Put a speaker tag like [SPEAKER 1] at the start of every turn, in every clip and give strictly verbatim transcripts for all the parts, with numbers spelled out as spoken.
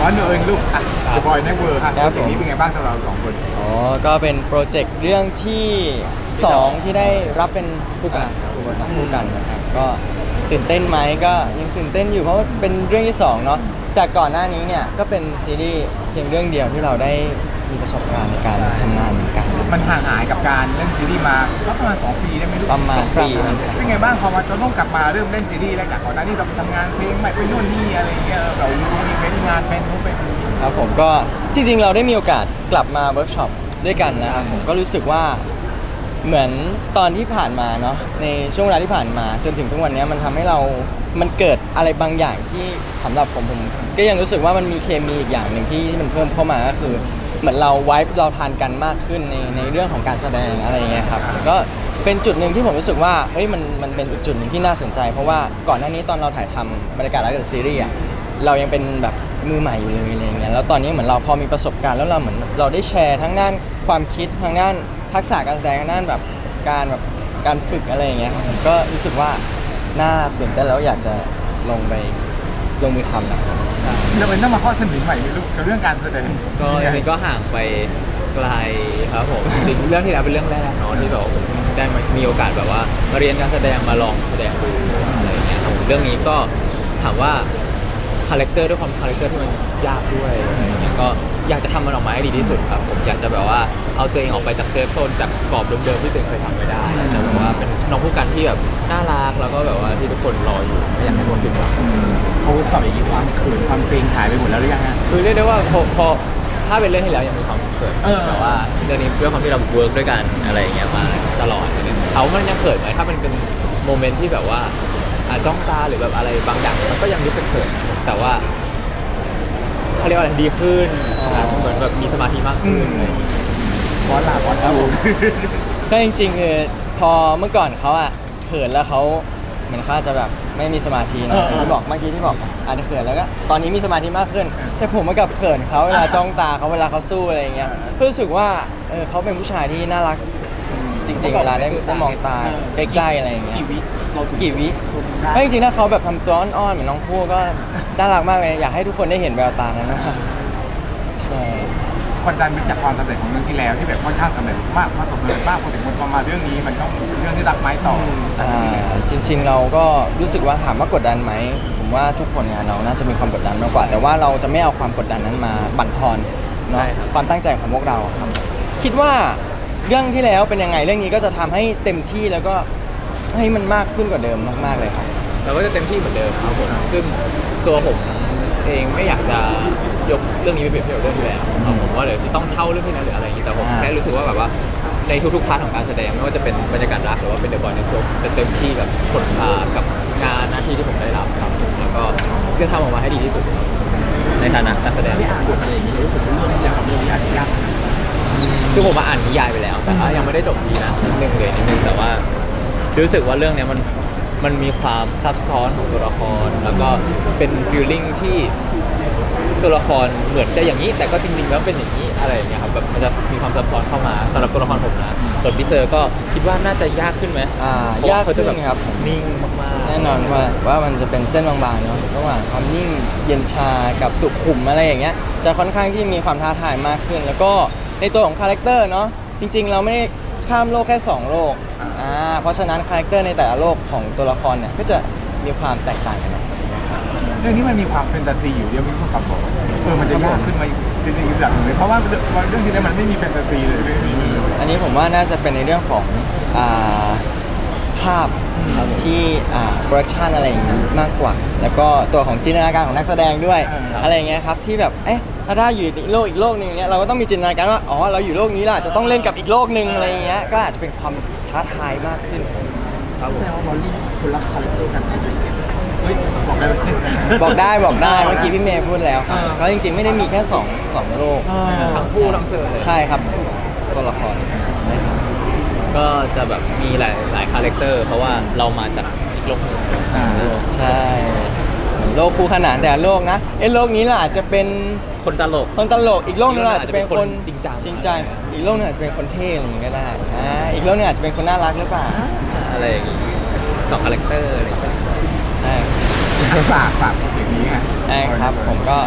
[SPEAKER 1] อ๋อเนยลูกอ่ะจะบอยแน็กเวิร์ครับอย่างนี้เป็นไงบ้างสำหรับเราสองคน
[SPEAKER 2] อ๋อก็เป็นโปรเจกต์เรื่องที่สองที่ได้รับเป็นผู้กำกับผู้กำกับผู้กันนะครับก็ตื่นเต้นไหมก็ยังตื่นเต้นอยู่เพราะว่าเป็นเรื่องที่สองเนาะจากก่อนหน้านี้เนี่ยก็เป็นซีรีส์เพียงเรื่องเดียวที่เราได้มีประสบการณ์ในการทำงานเหมือนกัน
[SPEAKER 1] มันห่างหายกับการเล่นซีรีส์มาก็ประมาณสองปีได้ไหมลูก
[SPEAKER 2] ประมาณปี
[SPEAKER 1] เป็นไงบ้างพอมาเราต้องกลับมาเริ่มเล่นซีรีส์แล้วจากก่อนหน้านี้เราไปทำงานเพลงใหม่ไปนู่นนี่อะไรเงี้ยเราอยู่อีเวนต์งานเป็นนู้นเป็นนี่
[SPEAKER 2] ครับผมก็จริงๆเราได้มีโอกาสกลับมาเวิร์กช็อปด้วยกันนะครับผมก็รู้สึกว่าเหมือนตอนที่ผ่านมาเนาะในช่วงเวลาที่ผ่านมาจนถึงทุกวันนี้มันทำให้เรา มันเกิดอะไรบางอย่างที่สำหรับผมผมก็ยังรู้สึกว่ามันมีเคมีอีกอย่างหนึ่งที่มันเพิ่มเข้ามาก็คือเหมือนเราไวฟ์เราทานกันมากขึ้นในในเรื่องของการแสดงอะไรอย่างเงี้ยครับก็เป็นจุดหนึ่งที่ผมรู้สึกว่าเฮ้ยมันมันเป็นอีกจุดหนึ่งที่น่าสนใจเพราะว่าก่อนหน้านี้ตอนเราถ่ายทำบรรยากาศรักกับซีรีส์อะเรายังเป็นแบบมือใหม่อยู่เลยอะไรเงี้ยแล้วตอนนี้เหมือนเราพอมีประสบการณ์แล้วเราเหมือนเราได้แชร์ทั้งด้านความคิดทั้งด้านทักษะการแสดงทั้งด้านแบบการแบบการฝึกอะไรอย่างเงี้ยครับผมก็รู้สึกว่าน่าตื่นเต้นแล้วอยากจะลงไปลงมือทำนะครับ
[SPEAKER 1] เราเป็นต้องมาข้อเสนอใหม่ไหมลูกกับเรื่องการแสดง
[SPEAKER 3] ก็ยังไงก็ห่างไปไกลครับผมจริงๆเรื่องที่แล้วเป็นเรื่องแรกเนาะที่แบบผมได้มามีโอกาสแบบว่ามาเรียนการแสดงมาลองแสดงดูอะไรอย่างเงี้ยครับผมเรื่องนี้ก็ถามว่าคาแรคเตอร์ด้วยความคาแรคเตอร์ที่มันยากด้วยอะไรอย่างเงี้ยก็อยากจะทำมันออกมาให้ดีที่สุดครับผมอยากจะแบบว่าเอาตัวเองออกไปจากเซฟโซนจากกรอบเดิมๆที่ตัวเองเคยทำไม่ได้แต่แบบว่าเป็นน้องผู้กันที่แบบน่ารักแล้วก็แบบว่าที่ทุกคนรออยู่ไม่อยากให้ทุกคนผิดหวัง
[SPEAKER 1] เขาสอบอย่างนี้ความเขินความเกรงหายไปหมดแล้วหรือยังฮะ
[SPEAKER 3] คือเรียกได้ว่าพอพอถ้าเป็นเรื่องที่แล้วยังมีความเขิน
[SPEAKER 1] เออ
[SPEAKER 3] แต่ว่าเรื่องนี้ด้วยความที่เราเวิร์กด้วยกันอะไรอย่างเงี้ยมาตลอดเนี่ยเขามันยังเขินไหมถ้ามันเป็นโมเมนต์ที่แบบว่าอ่ะจ้องตาหรือแบบอะไรบางอย่างมันก็ยังรู้สึกเขินแต่ว่าเขาเรียกว่าอะไรดีขึ้นอ่ะเหมือนแบบมีสมาธิมากขึ้นอะไรอย่างเงี้ย
[SPEAKER 1] บอสลาบอสครับผม
[SPEAKER 2] ก็จริงๆคือพอเมื่อก่อนเขาอะเขินแล้วเขาเหมือนเขาอาจจะแบบไม่มีสมาธินะที่บอกเมื่อกี้ที่บอกอาจจะเขินแล้วก็ตอนนี้มีสมาธิมากขึ้น แต่ผมมากับเขินเขาเวลาจ้องตาเขาเวลาเขาสู้อะไรอย่างเงี้ยก็รู้สึกว่าเออเขาเป็นผู้ชายที่น่ารักจริงๆเวลาได้ได้มองตาใกล้ๆอะไรอย่างเงี้ย
[SPEAKER 1] กี่วิเราถึง
[SPEAKER 2] กี่วิ
[SPEAKER 1] ได้
[SPEAKER 2] ไม่จริงๆถ้าเขาแบบทำตัวอ่อนๆเหมือนน้องพูก็น่ารักมากเลยอยากให้ทุกคนได้เห็นแววตานั้นนะครับใช่
[SPEAKER 1] กดดันไปจากความสำเร็จของเรื่องที่แล้วที่แบบค่อนข้างสำเร็จมากประสบความสำเร็จมากพอถึงมันมาเรื่องนี้มันต้องเป็นเรื่องที่รักไม้ต่อ
[SPEAKER 2] อ่าจริงๆเราก็รู้สึกว่าถามว่ากดดันไหมผมว่าทุกคนงานเราน่าจะมีความกดดันมากกว่า แต่ว่าเราจะไม่เอาความกดดันนั้นมาบั่นทอนเนาะความตั้งใจของพวกเราครับคิดว่าเรื่องที่แล้วเป็นยังไงเรื่องนี้ก็จะทำให้เต็มที่แล้วก็ให้มันมากขึ้นกว่าเดิมมากๆเลยครับ
[SPEAKER 3] เราก็จะเต็มที่เหมือนเดิมครับผมซึ่งตัวผมเองไม่อยากจะยกเรื่องนี้ไปเปรียบเทียบกับเรื่องที่แล้วครับผมว่าเดี๋ยวจะต้องเท่าเรื่องที่แล้วหรืออะไรอย่างนี้แต่ผม
[SPEAKER 2] อ่า
[SPEAKER 3] แค่รู้สึกว่าแบบว่าในทุกๆพาร์ทของการแสดงไม่ว่าจะเป็นบรรยากาศรักหรือว่าเป็นเดอะบอยในตัวจะเต็มที่กับผลอ่ากับงานหน้าที่ที่ผมได้รับครับผมแล้วก็เพื่อทำออกมาให้ดีที่สุดในฐานะนักแสดง
[SPEAKER 1] ที่อ่านบทอะไรอย่างนี้รู้สึกว่าเรื่องอย่างกับเรื่องนี้อาจจะยาก
[SPEAKER 3] คือผมมาอ่านนิยายไปแล้วแต่ว่ายังไม่ได้จบดีนะนิดนึงเลยนิดนึงแต่ว่ารู้สึกว่าเรื่องเนี้ยมันมันมีความซับซ้อนของตัวละครแล้วก็เป็นฟีลลิ่งที่ตัวละครเหมือนจะอย่างนี้แต่ก็จริงๆแล้วเป็นอย่างนี้อะไรอย่างเงี้ยครับแบบมันจะมีความซับซ้อนเข้ามาสำหรับตัวละครผมนะส่วนพี่เซอร์ก็คิดว่าน่าจะยากขึ้นไหม
[SPEAKER 2] อ่า
[SPEAKER 3] เพระว่
[SPEAKER 2] ยาก
[SPEAKER 3] เขา
[SPEAKER 2] ขึ้
[SPEAKER 3] จะแบบ
[SPEAKER 2] นครับผม
[SPEAKER 3] นิ่งมากๆ
[SPEAKER 2] แน่นอนว่าว่ามันจะเป็นเส้นบางๆเนาะระหว่างความนิ่งเย็นชากับสุขุมอะไรอย่างเงี้ยจะค่อนข้างที่มีความท้าทายมากขึ้น แล้วก็ในตัวของคาแรคเตอร์เนาะจริงๆเราไม่ได้ข้ามโลกแค่สองโลกอ่าเพราะฉะนั้นคาแรคเตอร์ในแต่ละโลกของตัวละครเนี่ยก็จะมีความแตกต่างกันออกไปนะครับ
[SPEAKER 1] เรื่องนี้มันมีความแฟนตาซีอยู่เดียวมีความบอกเออมันจะยากขึ้นมาเป็นอีกระดับหนึ่งเลยเพราะว่าเรื่องที่แล้วมันไม่มีแฟนตาซีเลยเรื่องนี้
[SPEAKER 2] อันนี้ผมว่าน่าจะเป็นในเรื่องของอ่าภาพที่อ่าโปรดักชันอะไรอย่างนี้มากกว่า แล้วก็ตัวของจินตนาการของนักแสดงด้วย อะไรอย่างเงี้ยครับที่แบบเอ๊ะถ้าได้อยู่ในโลกอีกโลกหนึ่งเนี้ยเราก็ต้องมีจินตนาการว่าอ๋อเราอยู่โลกนี้ล่ะจะต้องเล่นกับอีกโลกหนึ่งอะไรอย่างเงี้ยก็อาจจะเป็นความท้าทายมากขึ้น
[SPEAKER 1] ครับผมแสดงว่าบอลลี่คนรักคาแรคเตอร์กันเฮ้ยบอกได้ไหม
[SPEAKER 2] บอกได้บอกได้เมื่อกี้พี่เมย์พูดแล้วครับ
[SPEAKER 1] อ่า
[SPEAKER 2] ก็จริงๆไม่ได้มีแค่สองสองโลก
[SPEAKER 3] ทั้งผู้ทั้งเซอร์เลย
[SPEAKER 2] ใช่ครับตัวละครใช่ครับ
[SPEAKER 3] ก็จะแบบมีหลายหลายคาแรคเตอร์เพราะว่าเรามาจากอีกโลกหนึ่ง
[SPEAKER 1] อ่า
[SPEAKER 2] ใช่เหมือนโลกคู่ขนานแต่ละโลกนะเอ้โลกนี้เราอาจจะเป็น
[SPEAKER 3] คนตลก
[SPEAKER 2] คนตลกอีกโลกนึงเราอาจจะเป็นคน
[SPEAKER 3] จริงจัง
[SPEAKER 2] จริงจังอีกโลกนึงอาจจะเป็นคนเท่อะไรอย่างงี้ก็ได้อ่าอีกโลกนึงอาจจะเป็นคนน่ารักหรือเปล่า
[SPEAKER 3] อะไรอย่างงี้สองคาแรคเตอร์อะไรอย่างเงี้ย
[SPEAKER 2] ใช่
[SPEAKER 1] ฝากฝากอย่างนี้ไง
[SPEAKER 2] ใช่ครับผมก็ฝ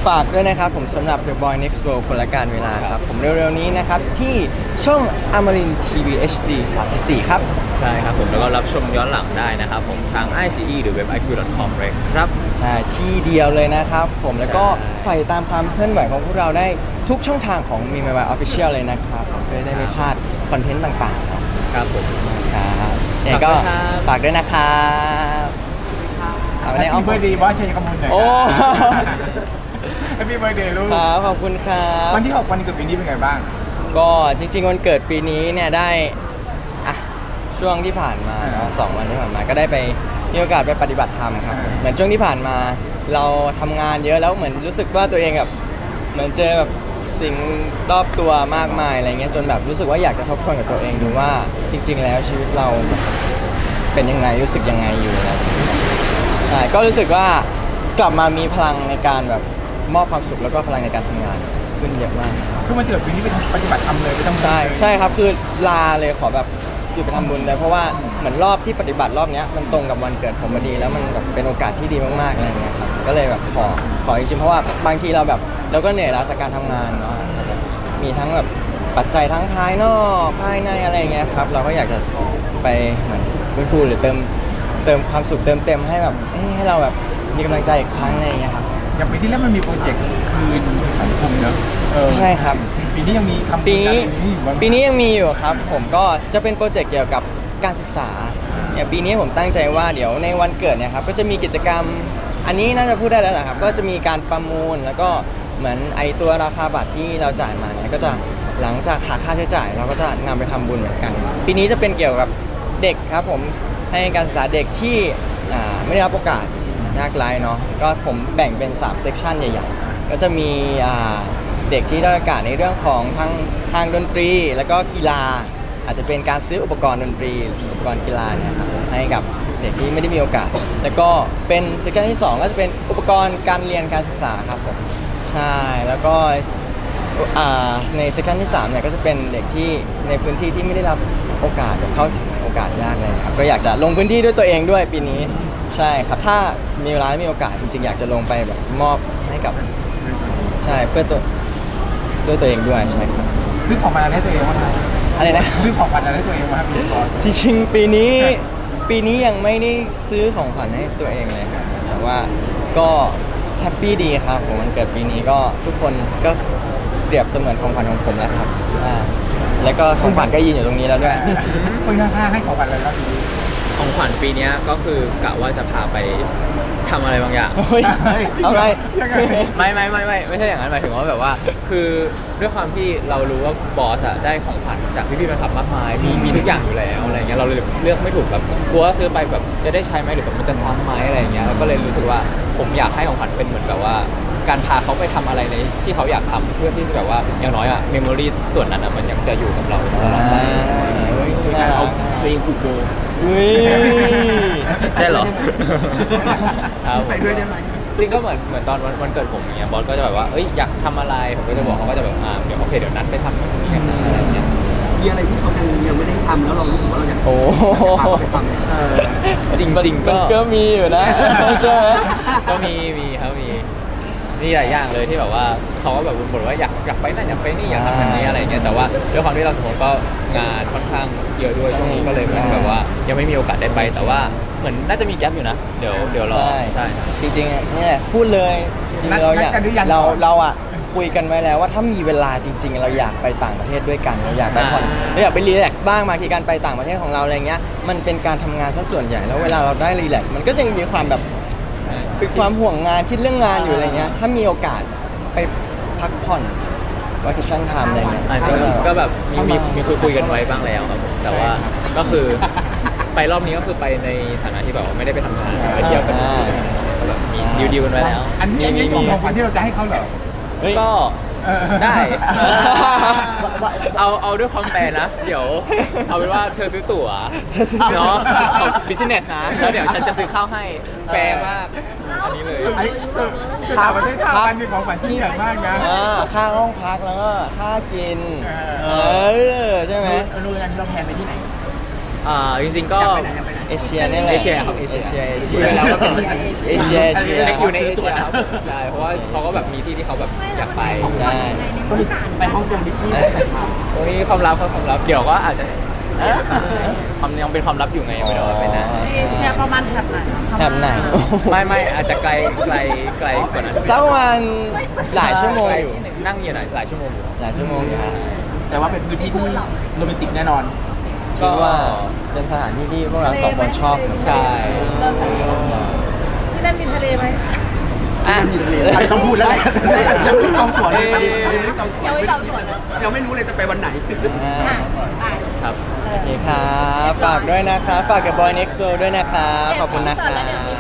[SPEAKER 2] ฝากด้วยนะครับผมสำหรับ The Boy Next World คนละการเวลาครับผมเร็วๆนี้นะครับที่ช่องอมรินทีวี เอช ดี สามสิบสี่ครับ
[SPEAKER 3] ใช่ครับผมแล้วก็รับชมย้อนหลังได้นะครับผมทาง ไอ ซี อี หรือเว็บ ไอ คิว ดอท คอม เลยครับ
[SPEAKER 2] ใช่ที่เดียวเลยนะครับผมแล้วก็
[SPEAKER 3] ใช่
[SPEAKER 2] ใฝ่ตามความเคลื่อนไหวของพวกเราได้ทุกช่องทางของมีมายออฟฟิเชียลเลยนะครับผมเพื่อได้ไม่พลาดคอนเทนต์ต่างๆเนาะ
[SPEAKER 3] ครับผม
[SPEAKER 2] ครับยังไงก็
[SPEAKER 3] ฝากด้วยครับ
[SPEAKER 2] ฝากด้วยนะครับเอา
[SPEAKER 1] แฮ
[SPEAKER 2] ใน
[SPEAKER 1] ป
[SPEAKER 2] อ้อ
[SPEAKER 1] ปี้
[SPEAKER 2] ม
[SPEAKER 1] เบ r ร์ d เดย์บอสชัยกมลหน่อย
[SPEAKER 2] โอ้
[SPEAKER 1] แฮปปี้เบ r ร์ d เดย์ลูก
[SPEAKER 2] ครับขอบคุณครับ
[SPEAKER 1] วันที่หกวันเกิดปีนี้เป็นไงบ้าง
[SPEAKER 2] ก็จริงๆวันเกิดปีนี้เนี่ยได้อะช่วงที่ผ่านมาเนาะสองวันที่ผ่านมาก็ได้ไปมีโอกาสไปปฏิบัติธรรมครับเหมือนช่วงที่ผ่านมาเราทำงานเยอะแล้วเหมือนรู้สึกว่าตัวเองแบบเหมือนเจอแบบสิ่งรอบตัวมากมายอะไรเงี้ยจนแบบรู้สึกว่าอยากจะทบทวนกับตัวเองดูว่าจริง ๆ แล้วชีวิตเราเป็นยังไงรู้สึกยังไงอยู่นะใช่ก็รู้สึกว่ากลับมามีพลังในการแบบมอบความสุขแล้วก็พลังในการทำงานขึ้นเยอะมาก
[SPEAKER 1] คือวันเกิดปีนี้ไปทำปฏิบัติธรรมเลยไปทำบุญ
[SPEAKER 2] ใช่
[SPEAKER 1] เลย
[SPEAKER 2] ใช่ครับคือลาเลยขอแบบหยุดไปทำบุญเลยเพราะว่าเหมือนรอบที่ปฏิบัติรอบเนี้ยมันตรงกับวันเกิดผมพอดีแล้วมันแบบเป็นโอกาสที่ดีมากๆอะไรเงี้ยครับก็เลยแบบขอขอจริงๆเพราะว่าบางทีเราแบบเราก็เหนื่อยล้าจากการทำงานเนาะอาจจะแบบมีทั้งแบบปัจจัยทั้งภายนอกภายในอะไรเงี้ยครับเราก็อยากจะไปเหมือนฟื้นฟูหรือเติมเติมความสุขเติมเต็มให้แบบเอ้ยให้เราแบบมีกำลังใจอีกครั้งอะไรเงี้ยครับ
[SPEAKER 1] อย่างปีที่แล้วมันมีโปรเจกต์คืนสังคมเนอะเออ
[SPEAKER 2] ใช่ครับ
[SPEAKER 1] ปีนี้ยังมีทำ
[SPEAKER 2] ปีนี้
[SPEAKER 1] อะไรอยู่บ้าง
[SPEAKER 2] ปีนี้ยังมีอยู่ครับผมก็จะเป็นโปรเจกต์เกี่ยวกับการศึกษาเนี่ยปีนี้ผมตั้งใจว่าเดี๋ยวในวันเกิดเนี่ยครับก็จะมีกิจกรรมอันนี้น่าจะพูดได้แล้วแหละครับก็จะมีการประมูลแล้วก็เหมือนไอตัวราคาบัตรที่เราจ่ายมาเนี่ยก็จะหลังจากหักค่าใช้จ่าย เราก็จะนำไปทำบุญเหมือนกัน ปีนี้จะเป็นเกี่ยวกับเด็กครับผมให้การศึกษาเด็กที่อ่าไม่ได้รับโอกาสยากไร้เนาะก็ผมแบ่งเป็นสามเซกชันใหญ่ๆก็จะมีอ่า เด็กที่ได้โอกาสในเรื่องของทางทางดนตรีแล้วก็กีฬา อาจจะเป็นการซื้ออุปกรณ์ดนตรีอุปกรณ์กีฬาเนี่ยครับให้กับเด็กที่ไม่ได้มีโอกาส แล้วก็เป็นเซกชันที่สองก็จะเป็นอุปกรณ์การเรียนการศึกษาครับผมใช่แล้วก็อ่าในเซกชันที่สามเนี่ยก็จะเป็นเด็กที่ในพื้นที่ที่ไม่ได้รับโอกาสเข้าถึงโอกาสยากเลยครับก็อยากจะลงพื้นที่ด้วยตัวเองด้วยปีนี้ใช่ครับถ้ามีเวลาและมีโอกาสจริงๆอยากจะลงไปแบบมอบให้กับใช่เพื่อตัว ด้วยตัวเองด้วยใช่ครับ
[SPEAKER 1] ซื้อของขวัญอะไรให้ตัวเองบ้างครับ
[SPEAKER 2] อะไรนะ
[SPEAKER 1] ซื้อของขวัญอะไรให้ตัวเองบ้างครับพี่บอส
[SPEAKER 2] ที่จริงปีนี้ปีนี้ยังไม่ได้ซื้อของขวัญให้ตัวเองเลยครับแต่ว่าก็แฮปปี้ดีครับผมวันเกิดปีนี้ก็ทุกคนก็เปรียบเสมือนของขวัญของผมแล้วครับใช่แล้วก็ของขวัญก็ยืนอยู่ตรงนี้แล้วด้วย
[SPEAKER 1] คนข้างๆให้ของขวัญอะไรครับปีนี้
[SPEAKER 3] ของขวัญปีเนี้ยก็คือกะว่าจะพาไปทำอะไรบางอย่าง
[SPEAKER 2] เฮ้ยเอาไง
[SPEAKER 1] ยังไง
[SPEAKER 3] ไม่ไม่ไม่ไม่ไม่ใช่อย่างนั้นหมายถึงว่าแบบว่า คือด้วยความที่เรารู้ว่าบอสอะได้ของขวัญจากพี่ๆแฟนคลับมากมายมีมีทุกอย่างอยู่แล้วอะไรเงี้ยเราเลยเลือกไม่ถูกแบบกลัวว่าซื้อไปแบบจะได้ใช้ไหมหรือแบบมันจะซ้ำไหมอะไรเงี้ยแล้วก็เลยรู้สึกว่าผมอยากให้ของขวัญเป็นเหมือนแบบว่า การพาเขาไปทำอะไรในที่เขาอยากทำเพื่อที่จะแบบว่าอย่างน้อยอะเมมโมรีส่วนนั้นอะมันยังจะอยู่กับเราตลอดไป
[SPEAKER 1] คือการเอาเพลงผูกโบ
[SPEAKER 2] อุ้ย
[SPEAKER 3] ได้เหรอ ครับ
[SPEAKER 1] ไปด้วยได้ไหม
[SPEAKER 3] จริงก็เหมือนเหมือนตอนวันวันเกิดผมอย่างเงี้ยบอสก็จะแบบว่าเอ้ยอยากทำอะไรผมก็จะบอกเขาก็จะแบบอ่าเดี๋ยวโอเคเดี๋ยวนัดไปทำตรงนี้กันนะอะไรเงี้ย
[SPEAKER 4] มีอะไรที่เขายังยังไม่ได้ทำแล้วเรารู้สึกว่าเราอยาก
[SPEAKER 2] โอ้
[SPEAKER 4] พาเขาไปทำเนี่ย
[SPEAKER 1] เออ
[SPEAKER 3] จริงจริงๆ
[SPEAKER 2] มั
[SPEAKER 3] ก็
[SPEAKER 2] นก็มีอยู่นะใช่ไหม
[SPEAKER 3] ก็มีมีครับมีมีหลายอย่างเลยที่แบบว่าเขาก็แบบบ่นว่าอยากอยากไปนั่นอยากไปนี่อยากทำแบบนี้อะไรเงี้ยแต่ว่าด้วยความที่เราสองคนก็งานค่อนข้างเยอะด้วยช่วงนี้ก็เลยเหมือนแบบว่ายังไม่มีโอกาสได้ไป แต่ว่าเหมือนน่าจะมีแก๊ปอยู่นะเดี๋ยวเดี๋ยวรอ
[SPEAKER 2] ใช่
[SPEAKER 3] ใช่
[SPEAKER 2] จริงๆอ่ะเนี่ยพูดเลยจริงๆเราอยาก
[SPEAKER 1] นัดกันหรือยัง
[SPEAKER 2] เรา
[SPEAKER 1] ก่อน
[SPEAKER 2] เราอ่ะคุยกันไว้แล้วว่าถ้ามีเวลาจริง ๆ เราอยากไปต่างประเทศด้วยกันเราอยากไปผ่อนเราอยากไปรีแลกซ์บ้างบางทีการไปต่างประเทศของเราอะไรเงี้ยมันเป็นการทำงานซะส่วนใหญ่แล้วเวลาเราได้รีแลกซ์มันก็ยังมีความแบบเป็นความห่วงงานคิดเรื่องงานอยู่อะไรเงี้ยถ้ามีโอกาสไปพักผ่อนวัคชั่นไทม์อะไรเงี้ย
[SPEAKER 3] อ่ะก็ก็แบบมีมีมีคุยคุยกันไว้บ้างแล้วครับผมแต่ว่าก็คือไปรอบนี้ก็คือไปในฐานะที่แบบว่าไม่ได้ไปทำงานไปเที่ยวกันก็แบบมีดิวดิวกันไว้แล้ว
[SPEAKER 1] อันนี้อันนี้ของของขวัญที่เราจะให้เขาเหรอ
[SPEAKER 2] เฮ้ย
[SPEAKER 3] ก็
[SPEAKER 1] เออ
[SPEAKER 3] ได้ เอาเอาด้วยความแฟร์นะ เดี๋ยว เอาเป็นว่าเธอซื้อตั๋วเนาะของ business นะ แล้วเดี๋ยวฉันจะซื้อข้าวให้แฟร์มาก อันนี้เลย
[SPEAKER 1] ไอ้เออข่าวประเทศข่าวกันนี่ของขวัญที่ใหญ่มากนะ
[SPEAKER 2] อ่าค่าห้องพักแล้วก็ค่ากิน
[SPEAKER 1] เอ
[SPEAKER 2] เออใช่ไหม
[SPEAKER 4] เออนูนอันนี้เราแพนไปที่ไหน
[SPEAKER 3] อ่าจริงๆก็
[SPEAKER 4] อยากไปไหนอยากไปไหน
[SPEAKER 2] เอเชียนี่แหละ
[SPEAKER 3] เอเชียครับเอ
[SPEAKER 2] เอ
[SPEAKER 3] เชี
[SPEAKER 2] เชี
[SPEAKER 3] ย
[SPEAKER 2] ยเอเชี
[SPEAKER 3] พู
[SPEAKER 2] ย
[SPEAKER 3] ดไปแล้วว่าเป็น
[SPEAKER 2] เอเชียเอเชีย
[SPEAKER 3] อยู่ในเอเชียครับใช่เพราะว่าเขาก็แบบมีที่ที่เขาแบบอยากไป
[SPEAKER 2] ได้
[SPEAKER 4] ไปฮ่องกงดิสนีย์
[SPEAKER 3] ตรงนี้ความลับครับความลับเดี๋ยวก็อาจจะความยังเป็นความลับอยู่ไงไม่รู้ว่าเป็นนะ
[SPEAKER 5] เอเชียประมาณแถบไหนอะ
[SPEAKER 2] แถบไหน
[SPEAKER 3] ไม่ไม่อาจจะไกลไกลไกลกว่านั้น
[SPEAKER 2] สักประมาณหลายชั่วโมงอยู่
[SPEAKER 3] นั่งอยู่หน่อยหลายชั่วโมงอยู่
[SPEAKER 2] หลายชั่วโมงอยู่ฮะ
[SPEAKER 1] แต่ว่าเป็นพื้นที่ที่โรแมนติกแน่นอน
[SPEAKER 2] คิดว่าเป็นสถานที่ที่พวกเราสองคนชอบเหมือนกัน
[SPEAKER 3] ใช่
[SPEAKER 5] ที่นั่นมีทะเลไหม
[SPEAKER 3] อ่ะ
[SPEAKER 1] อันนี้ต้องพูดแล้วแหละ
[SPEAKER 4] ยังไม่จองตั๋วเลยประเด็นยังไม่จองตั๋ว
[SPEAKER 5] ยังไม่จองตั๋วนะ
[SPEAKER 4] ยังไม่รู้เลยจะไปวันไหน
[SPEAKER 2] อ่า
[SPEAKER 5] อ่ะ
[SPEAKER 3] ครับ
[SPEAKER 2] โอเคครับ ฝากด้วยนะครับ ฝากกับ Boy Next World ด้วยนะครับ ขอบคุณนะครั
[SPEAKER 5] เดี๋ยว
[SPEAKER 2] บ